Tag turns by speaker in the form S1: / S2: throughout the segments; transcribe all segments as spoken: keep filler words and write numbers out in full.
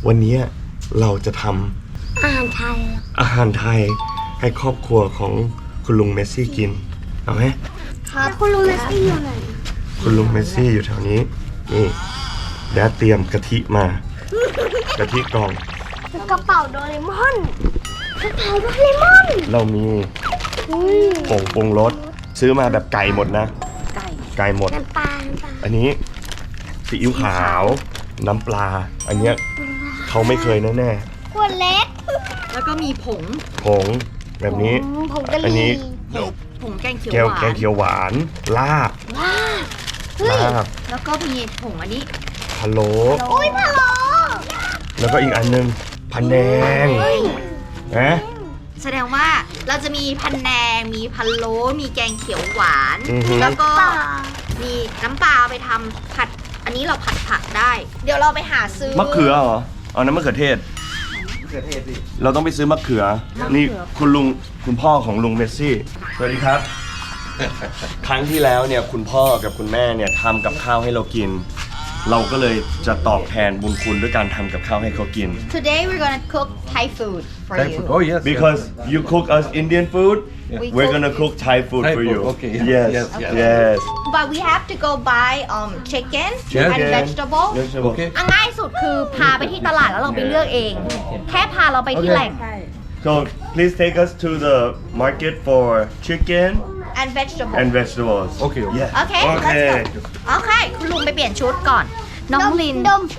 S1: วันนี้เราจะทำ
S2: อาหารไทย
S1: อาหารไทยให้ครอบครัวของคุณลุงเมสซี่กินเอาไหม
S2: ครับคุณลุงเมสซี่อยู่ไหน
S1: คุณลุงเมสซี่อยู่แถวนี้นี่แดดเตรียมกะทิมากะทิกล่อง
S2: กระเป๋าโดเรมอนกระเป๋าโดเรมอน
S1: เรามีผงปรุงรสซื้อมาแบบไก่หมดนะ
S3: ไก่
S1: ไก่หมด
S2: น้ำปลาน้ำปลา
S1: อันนี้ซีอิ๊วขาวน้ำปลา อันเนี้ยเขาไม่เคยแน่
S2: ขวดเล็ก
S3: แล้วก็มีผง
S1: ๆผงแบบนี้
S2: ผงกะห
S1: อันนี้
S2: รี่
S3: ผงแกงเขียว
S1: แก้ว
S3: หวา
S1: แกง
S3: น
S1: เขียวหวานลาบ
S2: ว้าเฮ้ย
S1: ลาบ
S3: แล้วก็มีผงอันนี้
S1: พะโล้
S2: โอ้ยพะโล้
S1: แล้วก็อีกอันนึงพะแนงนะ
S3: แสดงว่าเราจะมีพันแนง มีพันโล้มีแกงเขียวหวาน
S1: อือฮึ
S3: แล้วก็
S2: ปลา
S3: มีน้ำปลาไปทำผัด อันนี้เราผัดผักได้ เดี๋ยวเราไปหาซื้อ
S1: มะเขือเหรอเอาน้ำมะเขือเทศ เราต้องไปซื้อมะเขือ นี่คุณลุงคุณพ่อของลุงเมสซี่ สวัสดีครับ ครั้งที่แล้วเนี่ยคุณพ่อกับคุณแม่เนี่ยทำกับข้าวให้เรากิน เราก็เลยจะตอบแทนบุญคุณด้วยการทำกับข้าวให้เขากิน
S3: Today we're gonna cook Thai food for
S4: Thai
S3: you
S4: food. Oh yes.
S1: because you cook us Indian food
S3: We
S1: we're
S3: cook-
S1: gonna cook Thai food
S4: Thai
S1: for
S4: food,
S1: you
S4: okay.
S1: yes
S4: Yes, yes.
S1: yes
S3: but we have to go buy um chicken
S4: Yes.
S3: and vegetable
S1: vegetable
S4: Okay.
S3: อ่ะง่ายสุดคือพาไปที่ตลาดแล้วเราไปเลือกเอง แค่พาเราไปที่
S4: Okay.
S3: แหล่ง
S1: so please take us to the market for chicken
S3: and vegetable
S1: and vegetables
S4: Okay, okay.
S1: yes
S3: โอเค let's
S1: okay
S3: go โอเค คุณลุงไปเปลี่ยนชุดก่อน น้องลิน
S2: ดม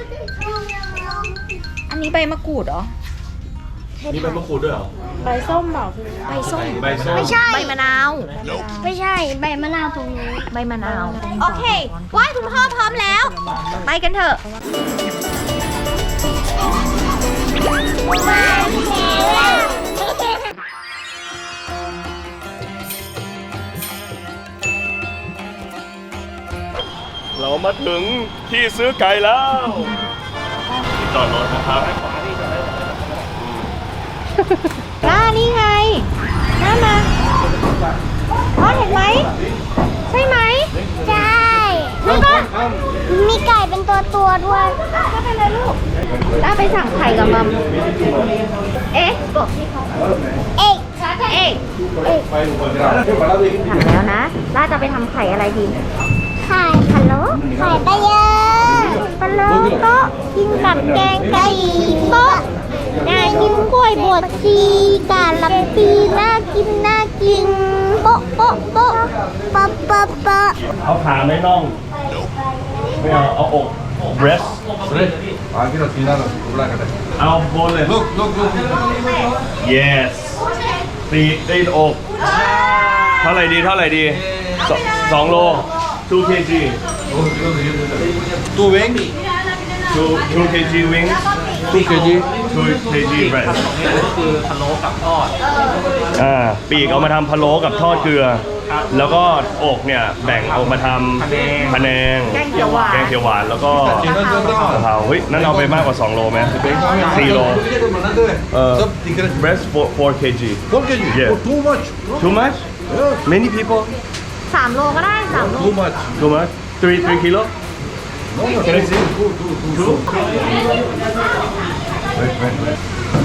S3: อันนี้ใบมะกรูดเหรอ
S1: นี่เป็นมะกรูดด้วยเหรอ
S3: ใบส้ม
S1: ใบส้ม
S2: ไม่ใช่
S3: ใบมะนาว
S2: ไม่ใช่ใบมะนาวตรงนี้
S3: ใบมะนาว โอเคไหว้คุณพ่อพร้อมแล้ว ไปกันเถอะ
S1: เรามาถึงที่ซื้อไก่แล้วที่จอดรถนะครับ
S3: น้านี่ไงน้ามาพ่อเห็นไหม ใช่ไหม
S2: ใช่แล้วก็มีไก่เป็นตัวตัวๆด้วย
S3: ก็เป็นเลยลูกน้าไปสั่งไข่กับมัม เอ๊ะบอกพี่เขา
S2: เอก
S3: เอ๊ะถามแล้วนะล่าจะไปทำไข่อะไรดี
S2: ไข่พะโล้ไข่ปลาเยอะปลาโล้โต๊ะกินกับแกงไก่โต๊ะน่ากินกล้วยบวชชีกาลับปีน่ากินน่ากินโป๊ะโป๊ะโป๊ะปะปะปะ
S1: เอาขาไม่น่องไม่เอาเอาอก breast
S4: Fresh. Aquí no tiene nada. Black.
S1: เอาบนเลย
S4: Look, look, look.
S1: yes ตีตีนอกเท่าไหร่ดีเท่าไหร่ดีสองสองโล two kg
S4: Two wings.
S1: two two kg wings
S4: Two kg.
S1: two kg breast
S5: คือพะโล้กับทอด
S1: อ่าปีกเอามาทำพะโล้กับทอดเกลือ แล้วก็อกเนี่ยแบ่งเอามาทำพะแนง
S3: แกงเขียวหวาน
S1: แกงเขียวหวานแล้วก็
S4: Chino
S1: กะ
S4: Chino.
S1: เพราเฮ้ยนั่นเอาไปมากกว่าสองโลไหมสี่โล Uh,
S4: Some secret.
S1: breast four four kg
S4: Four kg.
S1: Yeah.
S4: Oh, too much.
S1: too much
S4: Yeah.
S1: many people
S3: สามโลก็ได้สามโล
S4: Too much.
S1: too much three three kilo
S4: No, no.
S1: Can I see?
S4: Two, two, two.
S1: two
S4: Wait, wait, wait.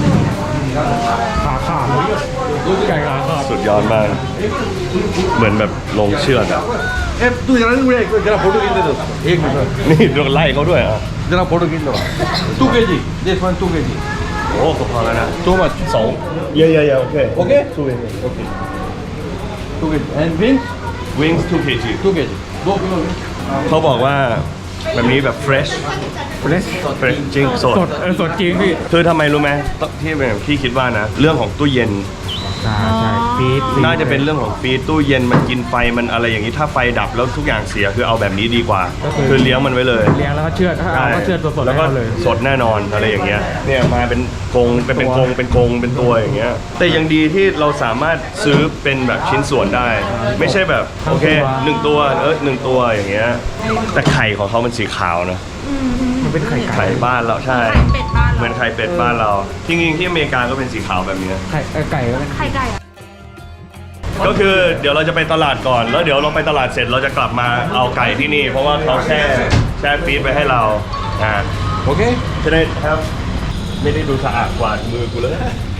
S1: สุดยอดมาก เหมือนแบบลงเชือดอ่ะ
S4: Eh, तू जरा नहीं उड़े जरा फोटो खींच दे दो एक मिनट
S1: นี่โดนไล่เขาด้วยอ่ะ
S4: जरा फोटो खींच दो to K ji this one two K G
S1: โอ้ก็พอแล้วนะ
S4: too much
S1: สองเยอะๆๆโอเค
S4: Okay?
S1: two kg
S4: Okay. Two K G and wings
S1: wings two kg
S4: two K G दो किलो wings
S1: เขาบอกว่าแบบนี้แบบ fresh
S5: fresh
S1: fresh จริงสด
S5: สดเออสดจริงพี่
S1: คือทำไมรู้ไหมที่แบบพี่คิดว่านะ เรื่องของตู้เย็น
S5: ใช่ใช่ฟีด
S1: น่าจะเป็นเรื่องของฟรีซตู้เย็นมันกินไฟมันอะไรอย่างนี้ถ้าไฟดับแล้วทุกอย่างเสียคือเอาแบบนี้ดีกว่า คือเลี้ยงมันไว้เลย
S5: เลี้ยงแล้วก็เชือดถ้าเอาก็เชือดสดๆ
S1: แล้วก็
S5: ให้เขาเลย
S1: สดแน่นอนอะไรอย่างเงี้ยเนี่ยมาเป็นกรงเป็นเป็นกรงเป็นกรงเป็นตัวอย่างเงี้ยแต่ยังดีที่เราสามารถซื้อเป็นแบบชิ้นส่วนได้ ไม่ใช่แบบโอเคหนึ่งตัวเออหนึ่งตัวอย่างเงี้ยแต่ไข่ของเขามันสีขาวนะ
S5: มันเป็นไข่ไก่
S1: ไข่บ้านเราใช่
S3: เป็ดบ้าน
S1: เหมือนไข่เป็ดบ้านเราจริงๆที่อเมริกาก็เป็นสีขาวแบบนี้
S5: ไข่เอ่อไก่ก็เป็น
S3: ไข่ไก่อะ
S1: ก็คือเดี๋ยวเราจะไปตลาดก่อนแล้วเดี๋ยวเราไปตลาดเสร็จเราจะกลับมาเอาไก่ที่นี่ เพราะว่าเขาแช่แช่ฟรีซไว้ให้เราอ่า
S4: Okay?
S1: จะได้ครับไม่ได้ดูสะอาดกว่ามือกูเลย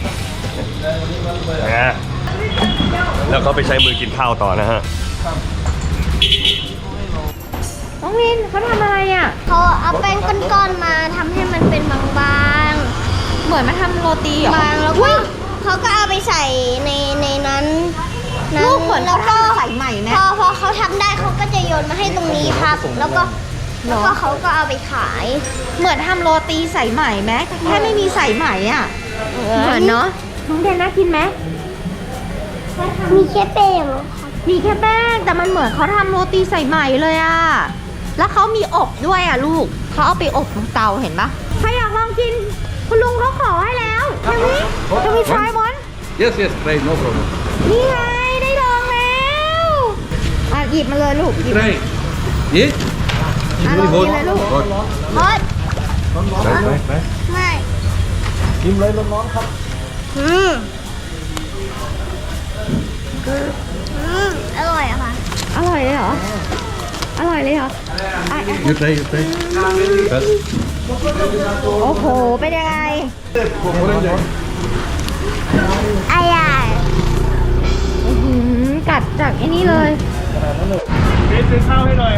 S1: นะแล้วก็ไปใช้มือกินข้าวต่อนะฮะ
S3: น้องลินเขาทำอะไรอ่ะ
S2: เขาเอาแป้งก้อนๆมาทำให้มันเป็นบาง
S3: เหมือนมาทำโรตีเหร
S2: ๆ
S3: อ
S2: บางแล้วก็เขาก็เอาไปใส่ในในนั้นนั้น
S3: ลูกเหมือน
S2: แล้ว
S3: เขา
S2: ก็
S3: ทำสายใหม่ไหม
S2: พอพอเขาทำได้เขาก็จะโยนมาให้ตรงนี้ครับ แล้วก็แล้วก็เขาก็เอาไปขาย
S3: เหมือนทำโรตีสายใหม่ไหมแค่ไม่มีสายใหม่อ่ะ เหมือนเนาะน้องเดนน่ากินไหม
S2: มีแค่แป้ง
S3: มีแค่แป้งแต่มันเหมือนเขาทำโรตีใส่ใหม่เลยอะแล้วเขามีอบด้วยอะลูกเขาเอาไปอบบนเตาเห็นปะใครอยากลองกิน คุณลุงเขาขอให้แล้วเฮ้ยจะมีทรายมอน
S4: Yes, yes, try, no problem.
S3: นี่ไงได้ลองแล้วอ่ะหยิบมาเลยลูกหยิบ
S4: Try. Yes?
S3: Ah,
S4: Very
S3: lagi
S4: hot.
S3: lah, Lu.
S4: Hot.
S2: ฮอต
S4: Try, try, try.
S2: ไม่
S1: กินเลยร้อนๆครับ
S2: อืมอืมอร่อยอะค่ะ
S3: อร่อยเลยเหรออร่อยเลยเหรออ่ะอ่ะ
S4: You try, you try. Yes.
S3: โอ้โหเป็นยังไง
S2: อร่อย
S3: อื้อหือกัดจากไอ้นี่เลย
S1: เบสซื้อข้าวให้หน่อย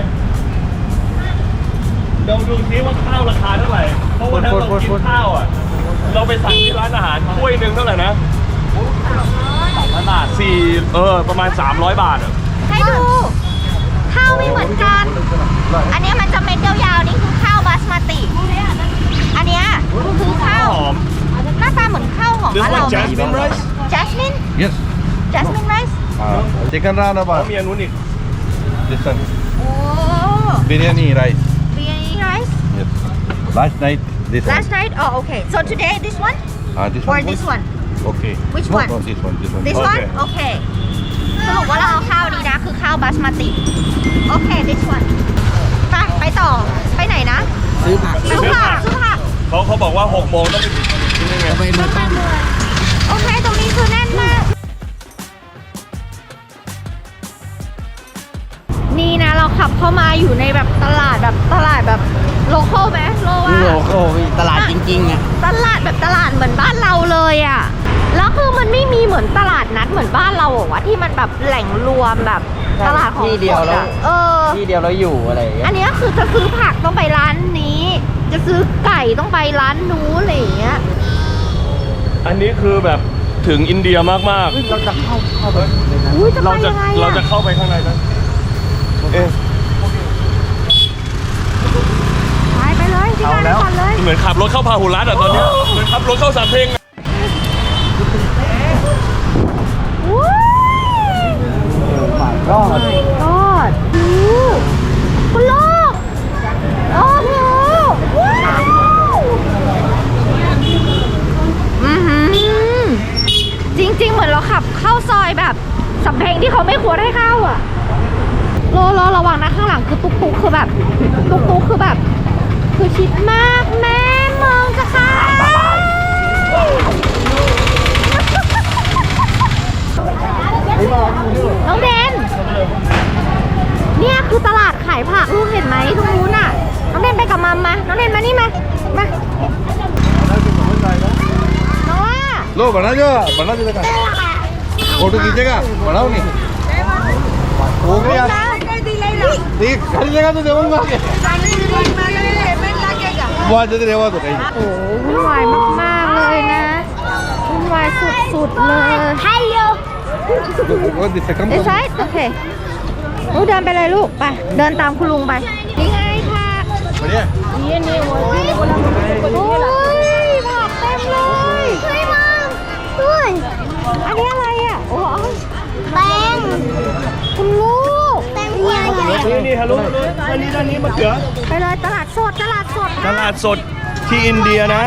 S1: ลองดูซิว่าข้าวราคาเท่าไหร่ เพราะวันนั้นเรากินข้าวอ่ะ เราไปสั่งที่ร้านอาหารถ้วยหนึ่งเท่าไหร่นะสามร้อยบาทสี่เออ ประมาณ สามร้อย บาทอ่ะ
S3: ให้ดูข้าวไม่เหมือนกัน อันเนี้ยมันจะเม็ดยาวๆนี่คือข้าวบาสมาติ อันเนี้ยคือข้าว
S1: หอม
S3: หน้าตาเหมือนข้าวหอม
S1: This
S3: บ้านเรา
S1: one jasmine rice
S3: จัสมิน
S4: Yes.
S3: จัสมินไรซ์
S4: Uh, chicken rana
S1: เขา
S4: ba?
S1: มีอันนู้นอีก
S4: This one.
S3: โอ้
S4: Biryani rice.
S3: เบียร์ไรซ์
S4: Yes. Last night, this
S3: last
S4: one.
S3: night oh okay so today this one
S4: Uh, this
S3: or
S4: one.
S3: this one
S4: Okay.
S3: Which
S4: no,
S3: one?
S4: No, this one, this one.
S3: this one โอเคสรุปว่าเราเอาข้าวนี้นะคือข้าวบาสมาติ โอเค this one ไปไปต่อ ไปไหนนะ
S5: ซื้อผัก
S3: ซื้อผักซื้อผัก
S1: เขาเขาบอกว่าหกโมงต้องไปกินนี่ไง
S5: ไปเมืองต้น
S3: โอเค ตรงนี้คือแน่นมาก นี่นะเราขับเข้ามาอยู่ในแบบตลาดแบบตลาดแบบโลคอลไหมโลว่า
S5: โลโก้ตลาดจริงๆอ่ะ
S3: ตลาดแบบตลาดเหมือนบ้านเราเลยอ่ะ แล้วคือมันไม่มีเหมือนตลาดนัดเหมือนบ้านเราอะวะที่มันแบบแหล่งรวมแบบตลาดของ
S5: ที่เดียว
S3: ส
S5: แล้ว
S3: อะเออ
S5: ที่เดียวเราอยู่อะไรอย่างเงี้
S3: อั
S5: ย
S3: นเนี้ยคือจะซื้อผักต้องไปร้านนี้ จะซื้อไก่ต้องไปร้านนู้นอะไรอย่างเงี้ย
S1: อันนี้คือแบบถึงอินเดียมากๆ
S5: เราจะเข้าเข้าไป
S3: อุ้ยจะไป
S1: เราจะ
S3: ยังไง
S1: เราจะ
S3: อะ
S1: เข้าไปข้างในนะเอ๊ะ
S3: ไปไปเลยที่
S1: เอา
S3: ร้าน
S1: แล้ว
S3: ก่อนเลย
S1: เหมือนขับรถเข้าพาหุรัตน์อ่ะตอนเนี้ยเหมือนขับรถเข้าสามเพลงอะ
S3: อุ้ย
S5: ก็
S3: my god ดูคุณลูกโอ้โหว้าวอือหือจริง ๆ เหมือนเราขับเข้าซอยแบบสำเพ็งที่เขาไม่ควรให้เข้าอ่ะโลโลระวังนะข้างหลังคือตุ๊กตุ๊กคือแบบตุ๊กตุ๊กคือแบบ คือชิดมากแม่มองจะค่ะน้องเดนเนี่ยคือตลาดขายผักลูกเห็นไหมตรงนู้นน่ะน้องเดนไปกับมัมมาน้องเดนมานี่มามาน้องว่า
S4: लो बना जो बना जो देखा फोटो खींचेगा बनाओ नहीं हो गया ठीक हर जगह तो देऊंगा बहुत जल्दी रेवा तो कहीं
S3: โอ้วุ่นวายมากๆเลยนะวุ่นวายสุดๆเลย
S2: ฮัลโหล
S4: वो दिसे कम
S3: ไอ้ไซส์โอเคลูกเดินไปเลยลูกไปเดินตามคุณลุงไปนี่ไงผัก
S4: बढ़िया
S3: นี่นี่โอ้ยโอ้ยผักเต็มเลยเฮ้ยมังด้วย อันนี้อะไรอ่ะ โอ้ย
S2: แป้ง
S3: คุณลูก
S2: แป้งใหญ่
S1: นี่นี่ฮัลโหลอันนี้ด้านนี้มะเขือ
S3: ไปเลยตลาดสดตลาดสด
S1: ตลาดสดที่อินเดียนะ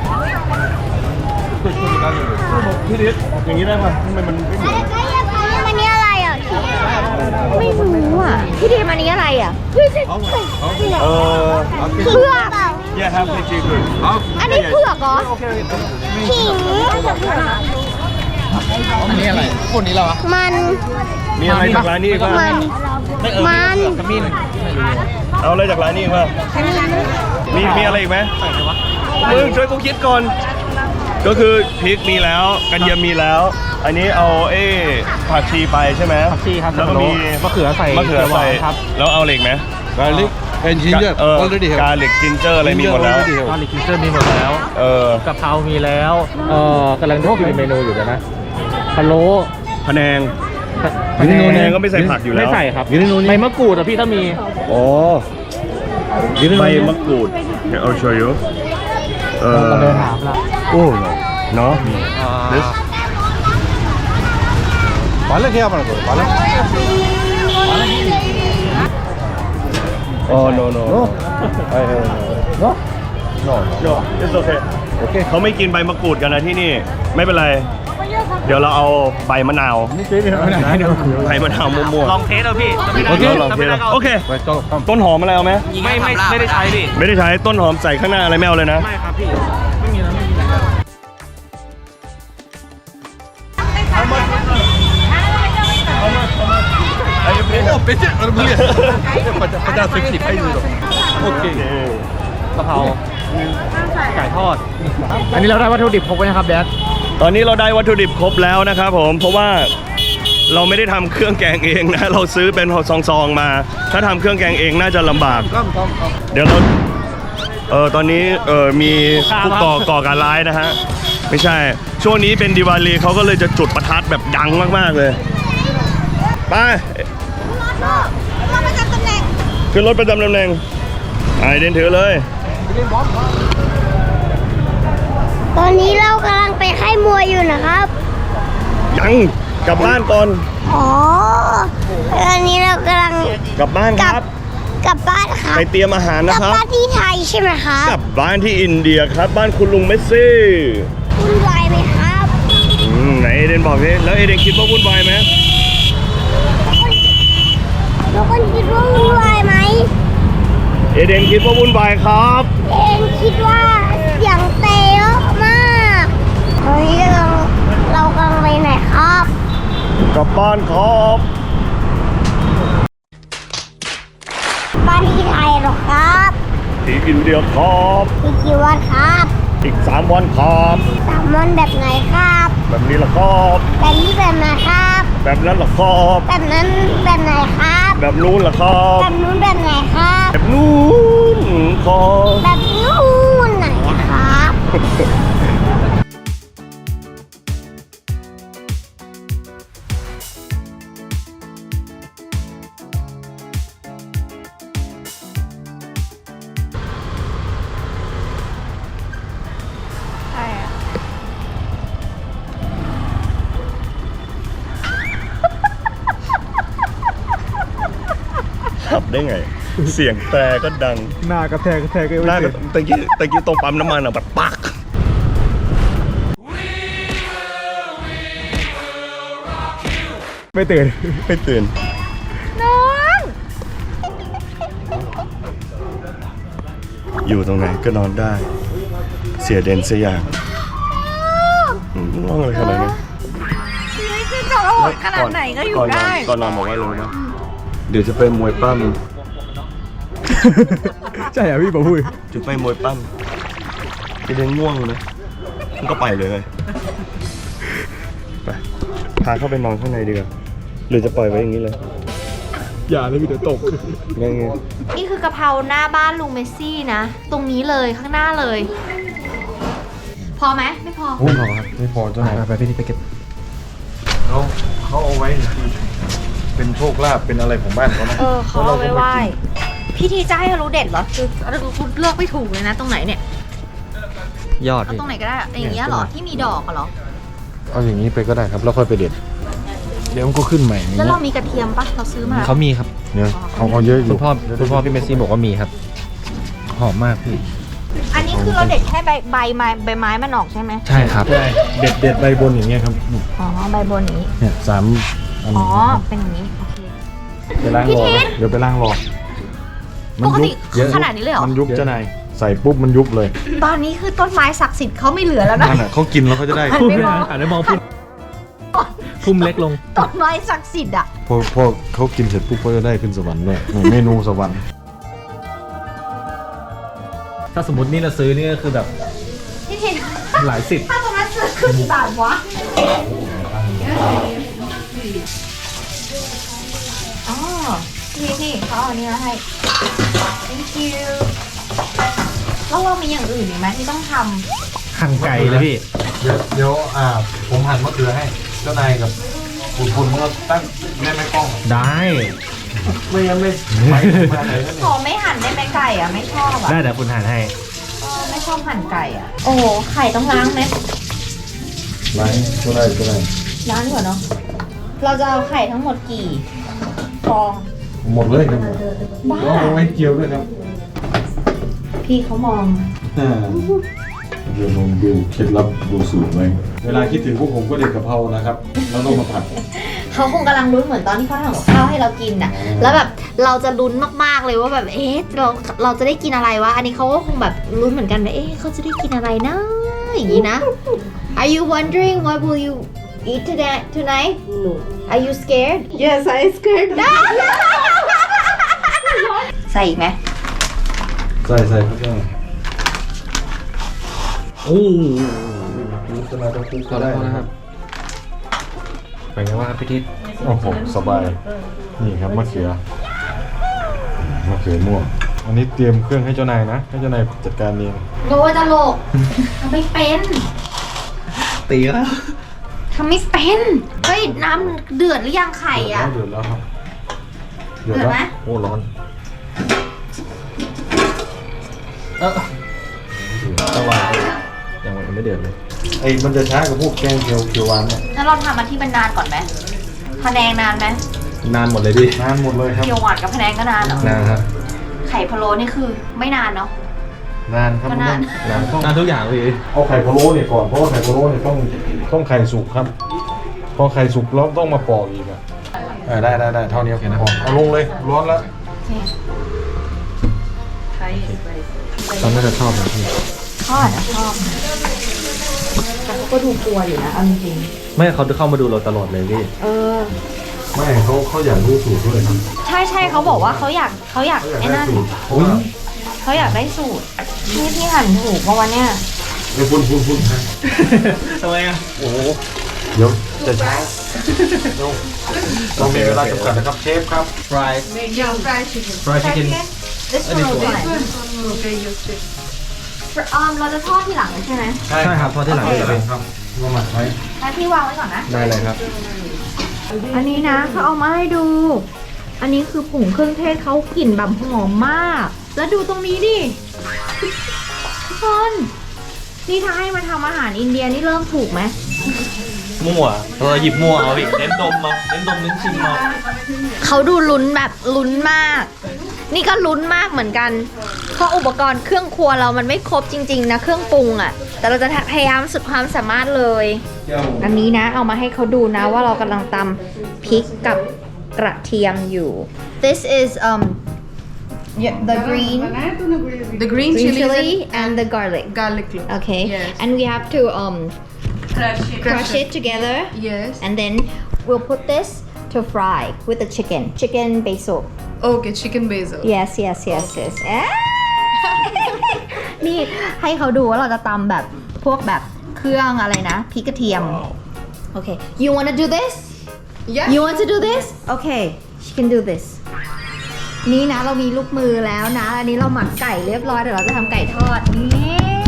S1: พี่ดิษอย่างนี้ได้ป่ะทำไมมันไม่เหมือน
S2: มันนี่อะไรอ่ะ
S3: ไม่รู้อ่ะพี่ดีมันนี้อะไรอ่ะ
S1: เออ
S3: เผือก
S1: yeah have the chicken
S3: อันนี้เผือกเหรอ
S2: ขิง
S5: อันนี้อะไรคนนี้เราอะ
S2: มัน
S1: มีอะไรจากร้านนี้อีกบ้าง
S2: มัน มัน
S5: ขมิ้น
S1: เอาอะไรจากร้านนี้อีกบ้างมีมีอะไรอีกไหมมึงช่วยกูคิดก่อน ก็คือพริกมีแล้วกันเยียมมีแล้ว อันนี้เอาเอ้ผักชีไปใช่ไหม
S5: ผักชีครับ
S1: แล้วก็มี
S5: มะเขือใส่
S1: มะเขือใส่
S5: เขียวหวานครับ
S1: แล้วเอาเหล็กไหม
S4: garlic and ginger
S1: เออ
S4: already
S1: กา
S4: have
S1: เหล็กจินเจอร์อะไรมีหมดแล้ว
S4: Ginger already have
S5: ตอนนี้กินเซอร์มีหมดแล้ว
S1: เออก
S5: ะเพรามีแล้วเอ่อกำลังคิดเมนูอยู่เดี๋ยวนะพะโล้
S1: พะแนง
S5: พะแน
S1: พะแนงก็ไม่ใส่ผักอยู่แล้ว
S5: ไม่ใส่ครับใบมะกรูดอะพี่ถ้ามี
S1: อ๋อใบมะกรูดเดี๋ยวเอาโชยุเออ
S5: เราเดินถามละ
S1: โอ้เนาะ This
S4: पालक है अपने को पालक
S1: oh no no
S4: no
S1: I have
S4: no no
S1: no it's okay
S4: โอเค
S1: เขาไม่กินใบมะกรูดกันนะที่นี่ไม่เป็นไร เดี๋ยวเราเอาใบมะนาว
S4: นี่เป็นอะไรนะ
S1: ใบมะนาวมั่วๆ
S5: ลองเทสเอาพี่
S1: โอเคลองเทสโอเค
S4: ไปก็
S1: ต้นหอมอะไรเอาไหม
S5: ไม่ไม่ไม่ได้ใช้พี่
S1: ไม่ได้ใช้ต้นหอมใส่ข้างหน้าอะไรไม่เอาเลยนะ
S5: ไม่ครับพี่ไม่มีแล้วไม่มีแล้ว
S4: โอ้เป็นเจ้าอะไรเนี่ยพระเจ้าพระเจ้าสิบสิบให้ดูหรอโอเค
S5: กะเพราไก่ทอด อันนี้เราได้วัตถุดิบครบไว้นะครับแดด
S1: ตอนนี้เราได้วัตถุดิบครบแล้วนะครับผมเพราะว่าเราไม่ได้ทำเครื่องแกงเองนะ เราซื้อเป็นซองๆมา ถ้าทำเครื่องแกงเองน่าจะลำบาก
S4: ก้มก้มก้ม
S1: เดี๋ยวเราเออตอนนี้เออมีผู้ก่อก่อการร้ายนะฮะไม่ใช่ช่วงนี้เป็นดิวาลีเขาก็เลยจะจุดประทัดแบบดังมากๆเลยไป
S2: เราประจำตำแหน่ง
S1: ขึ้นรถประจำตำแหน่งไอเดนถือเลย
S2: ตอนนี้เรากำลังไปค่ายมวยอยู่นะครับ
S1: ยังกลับบ้านก่อน
S2: อ๋อตอนนี้เรากำลัง
S1: กลับบ้าน
S2: ก
S1: ค
S2: ลั
S1: รับ
S2: กลับบ้านครับ
S1: ไปเตรียมอาหาร
S2: ก
S1: นะ
S2: ลับ
S1: ครับ
S2: บ้านที่ไทยใช่ไหมครับ
S1: กลับบ้านที่อินเดียครับบ้านคุณลุงเมสซี่
S2: วุ่นวายไหมครับ
S1: อืมไหนเอเดนบอกสิแล้วเอเดนคิดว่าวุ่นวายไหม
S2: ทุกคนคิดว่าวุ่นวายไหม
S1: เอเดนคิดว่าวุ่นวายครับ
S2: เองคิดว่าเสียงเตะเยอะมากตอนนี้เราเรากำลังไปไหนครับ
S1: กลับบ้านครับ
S2: บ้านที่ไทยเหรอครับ
S1: ที่อินเดียครับ
S2: อีกกี่วันครับ
S1: อีกสามวันครับ
S2: สามวันแบบไหนครับ
S1: แบบนี้ละครับ
S2: แบบนี้แบบไหนครับ
S1: แบบนั้นละครับ
S2: แบบนั้นแบบไหนครับ
S1: แบบนู้นละครับ
S2: แบบนู้นแบบไหนครับ
S1: แบบนู้นครับ
S2: แบบนู้นไหนอะครับ
S1: ขับได้ไง เสียงแต่ก็ดัง
S4: หน้ากระแทกกระแทกก็
S1: หน้าก็ตะกี้ตะกี้ตรงปั๊มน้ำมันอ่ะแบบปักไม่ตื่นไม่ตื่น
S2: น้อง
S1: อยู่ตรงไหนก็นอนได้ เสียเด่นเสียอย่างอืมง่วงเลยขนาดนี้
S3: ชีวิตจะโหดขนาดไหนก็อยู่
S1: ก่อนนอ
S3: ได้
S1: นก่อนนอนบอกว่าเลยนะเดี๋ยวจะไปมวยปั้ม
S4: ใช่เหรอพี่บอกพูด
S1: จะไปมวยปั้มจะเดินง่วงนะมันก็ไปเลยไปพาเข้าไปนอนข้างในดีกว่าหรือจะปล่อยไว้อย่างนี้เลย
S4: อย่าเลยพี่เดี๋ยวตก
S1: ไงไง
S3: นี่คือกะเพราหน้าบ้านลุงเมสซี่นะ ตรงนี้เลยข้างหน้าเลย พอไหมไม่พอ
S4: ไม่พอครับไม่พอเจ้าไหนไปพี่นี่ไปเก็บเขาเขาเอาไว้เป็นโชคลาภเป็นอะไรของบ้านเขานะ
S3: เออเขาเอาไว้ไหว้พี่ทีจะให้รู้เด็ดเหรอคือคุณเลือกไม่ถูกเลยนะตรงไหนเนี่ย
S5: ยอด
S3: เอา
S5: พี่
S3: ตรงไหนก็ได้อะอย่างเงี้ยเหรอที่มีดอกอะเหรอ
S4: เอาอย่างนี้ไปก็ได้ครับแล้วค่อยไปเด็ดเดี๋ยวมันก็ขึ้นใหม่อย่าง
S3: แล้ว
S4: นี้
S3: เรามีกระเทียมปะเราซื้อมา
S5: เขามีครับ
S4: เนี่ยเอาเอาเยอะอ
S5: คุ
S4: ยู่
S5: ณพ่อคุณพ่อพี่เมสซี่บอกว่ามีครับ หอมมากพี่
S3: อันนี้คือเราเด็ดแค่ใบใบไม้ใบไม้มันออกใช่ไหม
S5: ใช่ครับ
S4: ใช่เด็ดเด็ดใบบนอย่างเงี้ยครับ
S3: อ๋อใบบนนี้
S4: เนี่ยสามอัน
S3: อ๋อเป็นอย่างนี้โอเค
S4: ไปล้างรอนะเดี๋ยวไปล้างรอ
S3: ปกติขนาดนี้เลยเหรอ
S4: มันยุบเจ้านายใส่ปุ๊บมันยุบเลย
S3: ตอนนี้คือต้นไม้ศักดิ์สิทธิ์เขาไม่เหลือแล้วนะ
S4: นั่นอ่ะเขากินแล้วเขาจะได้
S3: หันไปมอง
S5: อ่านได้มองพุ่มพุ่มเล็กลง
S3: ต้นไม้ศักดิ์สิทธิ์อ่ะ
S4: พอพอเขากินเสร็จปุ๊บเขาจะได้ขึ้นสวรรค์ด้วยเหมือนเมนูสวรรค์
S5: ถ้าสมมตินี่เราซื้อนี่ก็คือแบบ
S3: เห็น
S5: หลายสิบ
S3: ถ้าตรงนั้นซื้อคือกี่บาทวะอ๋อนี่นี่เขาเอาอันนี้มาให้ thank you แล้วเรามีอย่างอื่นอีกไหมที่ต้องท
S5: หั่นไก่เลยพี่
S4: เดี๋ยวเดี๋ยวอ่าผมหั่นมะเขือให้เจ้านายกับคุณคุณก็ตั้งแม่แม่กล้อง
S5: ได้
S4: ไม่งั้นไม่ไปมาไหนกัน
S3: ำ
S4: เนี่
S3: ขอย ไม่หั่นได้ไหมไก่อ่ะไม่ชอบอ่ะ
S5: ได้เดี๋ยวคุณหั่นให้
S3: เออไม่ชอบหั่นไก่อ่ะโอ้โหไข่ต้องล้างไหม
S4: ไรก็ได้ก็ได้
S3: ล้างดีกว่าเนาะเราจะเอาไข่ทั้งหมดกี่ฟอง
S4: หมดเลยครับบ้าเอาไว้เจียวด้วยครับ
S3: พี่เขามอง
S4: อ่าเดี๋ยวลองดูเคล็ดลับดูสูตรไว้เวลาคิดถึงพวกผมก็เด็ดกะเพรานะครับแล้วต้องมาผัด
S3: เขาคงกำลังลุ้นเหมือนตอนที่เขาทำกับข้าวให้เรากินน่ะ แล้วแบบเราจะลุ้นมากๆเลยว่าแบบเอ๊ะเราเราจะได้กินอะไรวะ อันนี้เขาก็คงแบบลุ้นเหมือนกันว่าเอ๊ะเขาจะได้กินอะไรนะอย่างนี้นะ Are you wondering what will you eat today tonight? No. Are you scared?
S2: Yes I scared
S3: ใส่อีกไหม
S4: ใส่ใส่ครับ
S5: โอ้
S4: จะมาต้องคุก
S5: ข
S4: ก็
S5: อโท
S4: ได้
S5: ษ
S4: นะ
S5: นะ
S4: ค
S5: ค
S4: รั
S5: รับ บเป็นไงว่างครับพี่ทิศ
S4: โอ้โหสบายนี่ครับมะเขือมะเขือม่วงอันนี้เตรียมเครื่องให้เจ้านายนะให้เจ้านายจัดการเอง
S3: โลจะโลกทำไม่เป็น
S5: ตีแล้ว
S3: ทำไม่เป็นเฮ้ยน้ำเดือดหรือยังไข่อ่ะ
S4: เดือดแล้วครับ
S3: เดือดไหม
S4: โอ้ร้อน
S5: เออระวังยังไม่เดือดเลย
S4: ไอ้มันจะช้ากับพวกแกงเขียวเขียวหวานเนี่ย
S3: งั้นเราทำมาที่มันนานก่อนไหมพะแนงนานไหม
S5: นานหมดเลยพี่
S4: นานหมดเลยครับ
S3: เกี๊ยวหวานกับพะแนงก็นานเหรอน
S5: านครับ
S3: ไข่พะโล้นี่คือไม่นานเนาะ
S4: นานครับ
S3: ก็นาน
S4: นานต้อง
S5: นานทุกอย่างเลย
S4: เอาไข่พะโล้เนี่ยก่อนเพราะว่าไข่พะโล้เนี่ยต้องต้องไข่สุกครับพอไข่สุกแล้วต้องมาปอกอีกอ่ะเออได้ได้ได้เท่านี้โอเคนะเอาลงเลยร้อนแล้ว
S3: โอเค
S5: ตอนน่าจะชอบนะพี่
S3: เขาอาจจะชอบนะแต่เขาก็ดูกลัวอยู่นะเอาจริง
S5: ไม่เขาเข้ามาดูเราตลอดเลยพี่
S3: ๆเออ
S4: ไม่เขาเขาอยากรู้สูตรด้วยครับ
S3: ใช่ใช่เขาบอกว่าเขาอยากเขาอยาก
S4: เขาอยาก
S3: ไอ้
S4: ได้
S3: นั่น
S4: สูตรเพราะว่า
S3: เขาอยากได้สูตรนี่พี่หั่นถูกมาวันเนี้ย
S4: เดี๋ยวพุ่นพุ่นพุ่นฮะ
S5: ทำไมอ่ะ
S4: โอ้โหเดี๋ยวจะช้าเดี๋ยวเรามีเวลาจำกัดนะครับเชฟครับ
S5: fry
S2: Yeah fried chicken
S5: fry chicken
S3: This one will fine
S2: Okay you stick
S3: ออมเราจะทอดทีหลังใช่ไหม
S5: ใช่ครับทอดที่หลัง
S3: โอ
S5: เล
S3: เค
S5: ย
S4: ครับมาหมักไว้
S3: งั้นพี่วางไว้ก่อนนะ
S5: ได้เลยครับ
S3: อันนี้นะเขาเอามาให้ดู อันนี้คือผงเครื่องเทศเขากลิ่นแบบหอมมาก แล้วดูตรงนี้ดิทุกคนนี่ถ้าให้มาทำอาหารอินเดียนี่เริ่มถูกไหม
S5: มั่วเราหยิบมั่วเอาพี่เน้นดมเอาเน้นดมเน้นชิมเอา
S3: เขาดูลุ้นแบบลุ้นมาก นี่ก็ลุ้นมากเหมือนกัน เพราะอุปกรณ์เครื่องครัวเรามันไม่ครบจริงๆนะเครื่องปรุงอะ่ะ แต่เราจะพยายามสุดความสามารถเลย อันนี้นะเอามาให้เขาดูนะว่าเรากำลังตำพริกกับกระเทียมอยู่ This is um yeah, the green
S2: The green
S3: green
S2: chili
S3: chili and the garlic
S2: garlic clove
S3: okay
S2: Yes.
S3: and we have to um
S2: Crush it
S3: crush it together
S2: Yes
S3: and then we'll put this to fry with the chicken chicken basil
S2: Okay chicken basil
S3: yes yes yes yes เอ๊ะ นี่ให้เขาดูว่าเราจะตำแบบพวกแบบเครื่องอะไรนะพริกกระเทียมโอเค you wanna do this
S2: Yeah
S3: you want to do this okay she can do this นี่นะเรามีลูกมือแล้วนะ อันนี้เราหมักไก่เรียบร้อยเดี๋ยวเราจะทำไก่ทอดนี่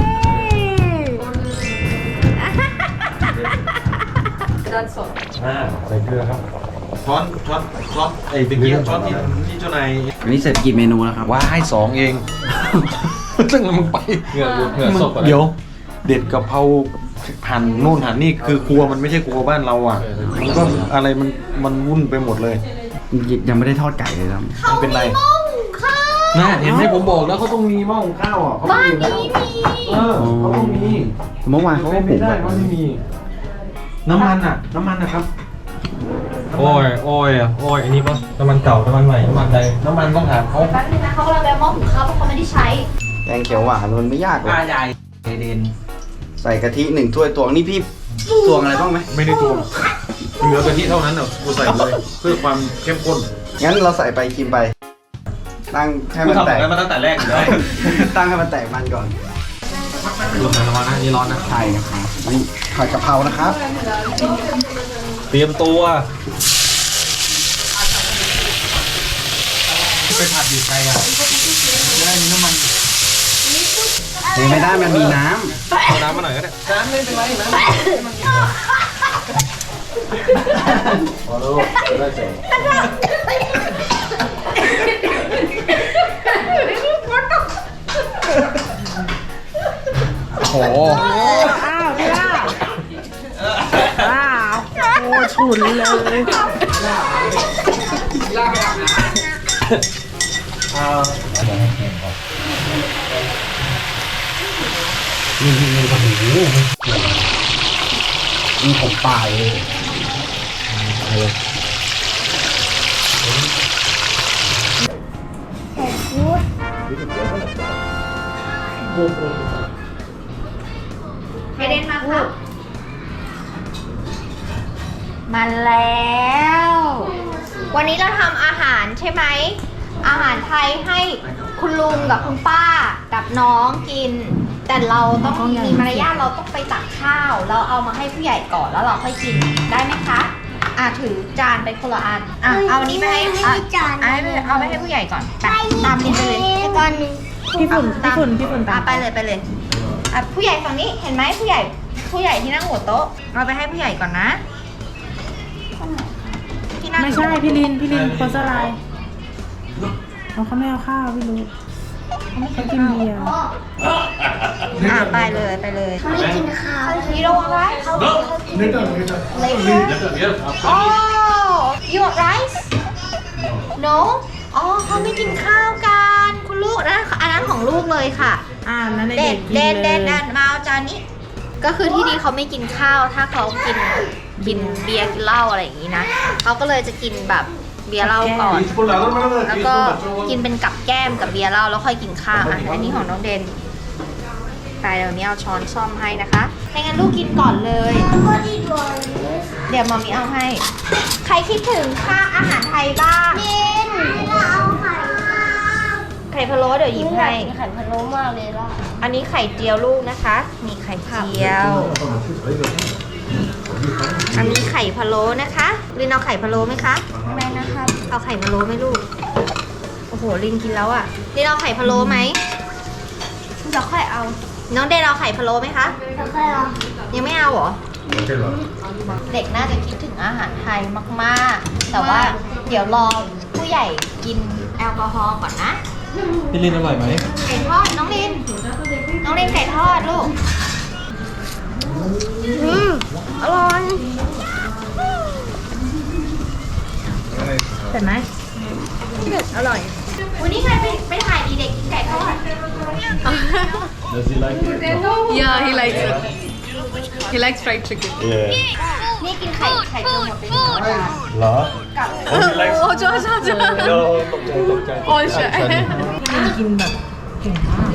S4: อ่าใส่เกลือครับช้อนช้อนช้อนไอ้ตะเกียบช้อนที่ที่เจ้านาย
S6: อันนี้เสร็จกี่เมนูแล้วครับ
S4: ว่าให้สองเอง ซึ่งมึงไป
S5: เหงื่อเหงื่อสดกว่า
S4: เดี๋ยว เด็ดกะเพราหั่นนู่นหั่นนี่คือครัวมันไม่ใช่ครัวบ้านเราอ่ะ มันก็อะไรมันมันวุ่นไปหมดเลย
S6: ยังไม่ได้ทอดไก่เลยครับ
S4: มันเป็นไร
S3: หม้อหุงข้าว
S4: น่าเห็นไหมผมบอกแล้วเขาต้องมีหม้อหุงข้าวอ่ะเขา
S3: บ้าน
S4: มีอยู่แล้ว
S3: นี้มี
S4: เออเขาต้องมี
S6: เมื่อวานเขาก็
S4: ไม่
S6: หุง
S4: ได้
S6: แบบ
S4: ว่าไม่มี น้ำมันอ่ะ น้ำมันนะครับ
S5: โอ้ยโอ้ยอ่ะโอ้ยอันนี้ปะน้ำมันเก่าน้ำมันใหม่น้ำมันใด
S4: น้ำมันต้องถามเขา
S3: แป๊บนึงนะเขากำลังไปเอาหม้อหุงข้าวเพราะเขาไม่ได้ใช้
S6: แกงเขียวหวานมันไม่ยากเลย
S5: ใหญ่เดน
S6: ใส่กะทิหนึ่งถ้วยตวงนี่พี่ตวงอะไรบ้างไหม
S4: ไม่ได้ตวงเหลือกะทิเท่านั้นอ่ะกูใส่เลย เพื่อความเข้มข้น
S6: งั้นเราใส่ไปกินไป ตั้งให้
S5: กู
S6: มัน
S5: ทำ
S6: แต
S5: แบบ
S6: ก
S5: นั้นมาตั้งแต่แรกอยู่แล้ว
S6: ตั้งให้มันแตกมันก่อน
S3: เ
S5: ดูหน่อยระวังนะนี่ร้อนนะ
S6: ไข่นะครับนี่ผัดกะเพรานะครับ
S5: เตรียมตัวไปผัดอยู่ไกลอ่ะจะได้มีน้ำมัน
S6: เทไม่ได้มันมีน้
S5: เอาน้ำมาหน่อยก็ได้น้ำไม่เป็นไรน้ำ
S6: ำโอ้โห นี่ผมปลายเลย
S3: ไอเดนมาครับมาแล้ว วันนี้เราทำอาหารใช่ไหม อาหารไทยให้คุณลุงกับคุณป้ากับน้องกิน แต่เราต้องมีมารยาทเราต้องไปตักข้าว เราเอามาให้ผู้ใหญ่ก่อนแล้วเราค่อยกินได้ไหมคะ อ่ะถือจานไปคนละอัน อ่ะเอาอันนี้ไปให้อ่ะเอาไปเอาไปให้ผู้ใหญ่ก่อนไปตามลินไปเลย
S2: ตอนนึง
S3: พี่ฝุ่นพี่ฝุ่นพี่ฝุ่นตามไปเลยไปเลยอ่ะผู้ใหญ่ฝั่งนี้เห็นไหมผู้ใหญ่ผู้ใหญ่ที่นั่งหัวโต๊ะเราไปให้ผู้ใหญ่ก่อนนะที่นั่ง
S7: ไม่ใช่พี่ลิน พี่ลินโพสอะไรเขาเขาไม่เอาข้าวพี่รู้เขากินเบียร์
S3: อ่ะไปเลยไปเลย
S2: ไม่กินข้าว
S3: You don't want rice? Later? Oh, you want rice? No? อ๋อเขาไม่กินข้าวกันคุณลูกนะอันนั้นของลูกเลยค่ะ
S7: อ่านั่น
S3: เด็
S7: เด็
S3: ด
S7: ก
S3: เด็ด
S7: กิน
S3: เด็ด
S7: เล
S3: เด็
S7: ย
S3: ดมาเอาจานนี้ ก็คือที่นี่เขาไม่กินข้าวถ้าเขากินกินเบียร์กินเหล้าอะไรอย่างนี้นะเขาก็เลยจะกินแบบเบียร์เหล้าก่อน แล้วก็กินเป็นกับแก้มกับเบียร์เหล้าแล้วค่อยกินข้าวอ่ะอันนี้ของน้องเดนไปเดี๋ยวนี้เอาช้อนซ่อมให้นะคะไม่งั้นลูกกินก่อนเลย
S2: ก็ดีด้วย
S3: เดี๋ยวมามีเอาให้ ใครคิดถึงค่าอาหารไทยบ้าง
S2: เย็นเราเอาไข่
S3: ไข่พะโล้เดี๋ยวหยิบให้
S2: ไข่พะโล้มากเลยล่ะ
S3: อันนี้ไข่เจียวลูกนะคะ มีไข่เจียว อันนี้ไข่พะโล้นะคะลินเอาไข่พะโล้ไหมคะ
S2: ไม่นะครับ
S3: เอาไข่พะโล้ไหมลูก โอ้โหลินกินแล้วอ่ะลินเอาไข่พะโล้ไหม
S2: เราค่อยเอา
S3: น้องเดนเอาไข่พะโล้ไหมคะ
S2: เราค่อยเอา
S3: ยังไม่เอาเหรอ เด็กน่าจะคิดถึงอาหารไทยมากๆ แต่ว่าเดี๋ยวรอผู้ใหญ่กินแอลกอฮอล์ก่อนนะ
S5: พี่ลินอร่อยไหม
S3: ไก่ทอดน้องลิน น้องลินไก่ทอดลูก อืมอร่อย
S7: เสร็จไหม
S3: อร่อย วันนี้ใครไปไปถ่ายดีเด็กกินไก่ทอด
S8: Yeah, he likes it. He likes fried chicken.
S1: Yeah
S3: นี่กินไข่ไข่เจียวหมดไปหนึ่งจาน
S1: เหรอ โอ้ยไลฟ์
S8: Oh, Josh, Josh,
S1: โอ้
S8: Josh.
S1: ตกใจตกใจ
S8: Oh, shit.
S7: กินแบบเก่งมาก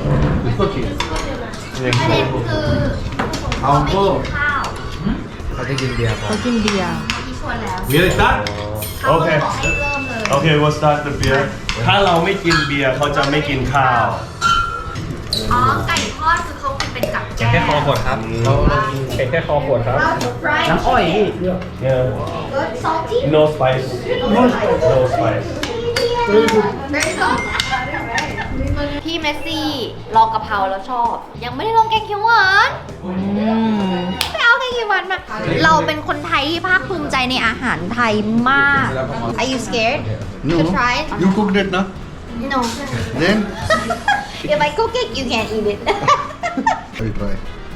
S3: ประเด็นคือ
S6: เอา
S3: ไม่
S6: โก้
S3: กินข้าว
S5: เขาจะกินเบียร์ก่อน
S7: เขากินเบียร์
S3: ที่ชวนแล้ว
S1: Really start
S3: เขา
S1: โอ
S3: ก็
S1: เค
S3: เลยบอกให้เริ่มเลย
S1: โอเค we'll start the beer ถ้าเราไม่กินเบียร์เขาจะไม่กินข้าว
S3: อ๋อ ไก่ทอดคือเขากินเป็นกับแก้ม
S5: แค่คอขวดครับเขาเผ็ดแค่คอขวดครับ
S3: น้ำอ้อย
S1: Yeah
S3: good salty
S1: no spice no spice
S3: พี่เมสซี่ลองกะเพราแล้วชอบ ยังไม่ได้ลองแกงเขียวหวานไปเอาแกงเขียวหวานมา เราเป็นคนไทยที่ภาคภูมิใจในอาหารไทยมาก Are you scared
S6: No
S3: to try it?
S6: You cooked it na
S3: No
S6: Then
S3: If I cook it you can't eat it
S6: I try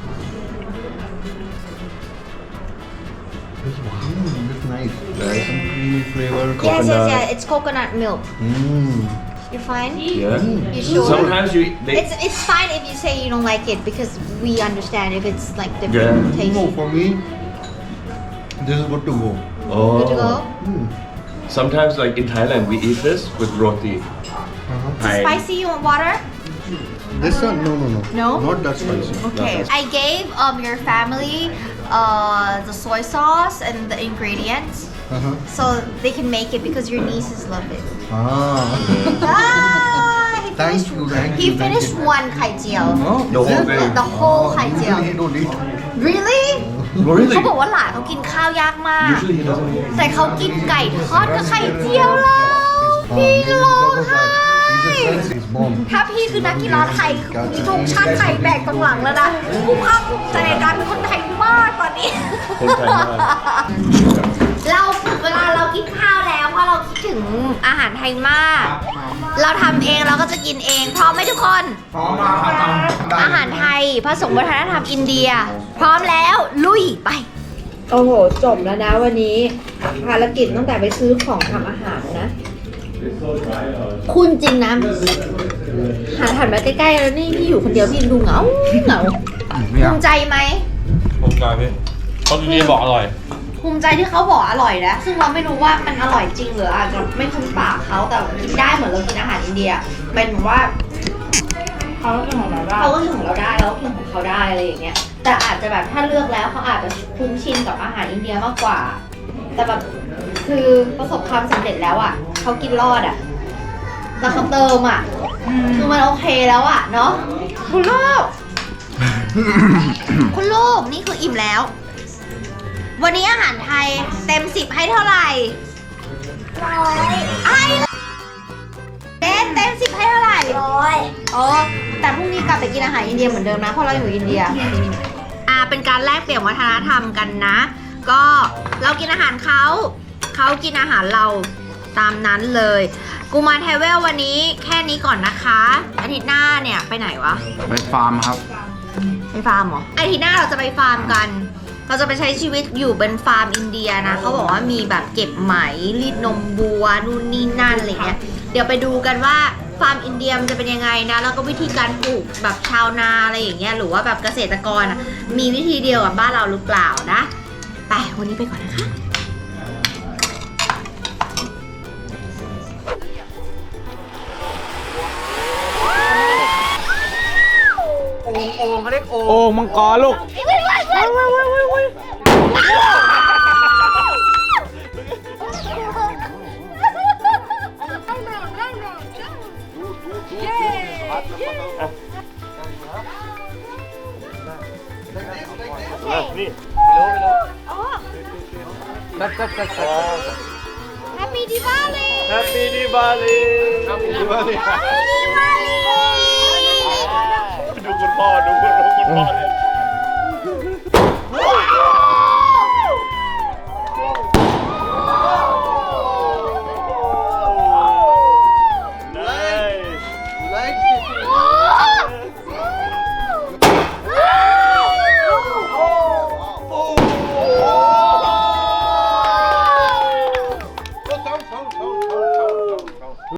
S6: Mm, it's nice. There is some creamy flavor.
S3: Yes yes yes it's coconut milk
S6: Mm.
S3: You fine?
S1: Yeah
S3: You sure?
S1: sometimes you they
S3: It's it's fine if you say you don't like it because we understand if it's like different
S1: Yeah.
S3: taste.
S6: No, for me, this is good to go.
S1: oh
S3: Good to go?
S6: Mm.
S1: sometimes like in Thailand we eat this with roti
S6: Uh-huh.
S1: Thai
S3: Spicy, you want water?
S6: This one, no, no, no.
S3: No?
S6: Not that spicy.
S3: Okay. I gave um your family uh the soy sauce and the ingredients
S6: Uh-huh.
S3: so they can make it because your nieces love it.
S6: Ah.
S3: ah, he
S4: Thank you, thank
S3: he
S4: you.
S3: finished one ไข่เจียว
S1: The whole thing.
S3: the whole ไข่เจียว
S4: Usually he don't eat.
S3: really
S1: Really?
S3: เขาบอกว่าหลานเขากินข้าวยากมาก
S1: Usually he doesn't eat.
S3: แต่เขากินไก่ทอดกับไข่เจียวแล้วพี่ร้องไห้
S4: He just says he's born.
S3: ถ้าพี่คือนักกีฬาไทยคือมีธงชาติไทยแบกตรงหลังแล้วนะกูภาคภูมิใจในการเป็นคนไทยมากตอนนี้
S1: คนไทยมาก
S3: เราเวลาเรากินข้าวแล้วเพราะเราคิดถึงอาหารไทยมาก เราทำเองเราก็จะกินเองพร้อมไหมทุกคน
S4: พร้อมมาครับ
S3: อาหารไทยผสมวัฒนธรรมอินเดีย พร้อมแล้วลุยไป
S9: โอ้โห จบแล้วนะวันนี้ ภารกิจตั้งแต่ไปซื้อของทำอาหารนะ
S3: คุณจริงนะหาถันมาใกล้ๆแล้วนี่พี่อยู่คนเดียวพี่ดูเหงาเหงาภูมิใจไหม
S5: ผมกลายพี่เขาดีๆบอกอร่อย
S3: ภูมิใจที่เขาบอกอร่อยนะซึ่งเราไม่รู้ว่ามันอร่อยจริงหรืออาจจะไม่คุ้นปากเขาแต่กินได้เหมือนเรากินอาหารอินเดียเป็นเหมือนว่า
S7: เขาก็กินของเราได้
S3: เขาก็กินของเราได้แล้วก็กินของเขาได้อะไรอย่างเงี้ยแต่อาจจะแบบถ้าเลือกแล้วเขาอาจจะคุ้นชินกับอาหารอินเดียมากกว่า แต่แบบคือประสบความสำเร็จแล้วอ่ะเขากินรอดอ่ะแต่เขาเติมอ่ะคือมันโอเคแล้วอ่ะเนาะคุณลูก คุณลูกนี่คืออิ่มแล้ว วันนี้อาหารไทยเต็มสิบให้เท่าไหร่ร้อยไอ้เต็มเต็มสิบให้เท่าไหร่ร้อยโอ้แต่พรุ่งนี้กลับไปกินอาหารอินเดียเหมือนเดิมนะเพราะเราอยู่อินเดียอ่าเป็นการแลกเปลี่ยนวัฒนธรรมกันนะ ก็เรากินอาหารเขาเขากินอาหารเราตามนั้นเลยกูมาเทเวลวันนี้แค่นี้ก่อนนะคะอาทิตย์หน้าเนี่ยไปไหนวะ
S6: ไปฟาร์มครับ
S3: ไปฟาร์มเหรออาทิตย์หน้าเราจะไปฟาร์มกัน เราจะไปใช้ชีวิตอยู่เป็นฟาร์มอินเดียนะเขาบอกว่ามีแบบเก็บไหมรีดนมวัวนู่นนี่นั่นอะไรเงี้ยเดี๋ยวไปดูกันว่าฟาร์มอินเดียมันจะเป็นยังไงนะแล้วก็วิธีการปลูกแบบชาวนาอะไรอย่างเงี้ยหรือว่าแบบเกษตรกรมีวิธีเดียวกับบ้านเราหรือเปล่านะไปวันนี้ไปก่อนนะคะ
S5: โอ่งมังกรลูก
S1: นี่
S3: Happy Diwali
S1: Happy Diwali Happy Diwali ดูคุณพ่อดูคุณพ่อเลย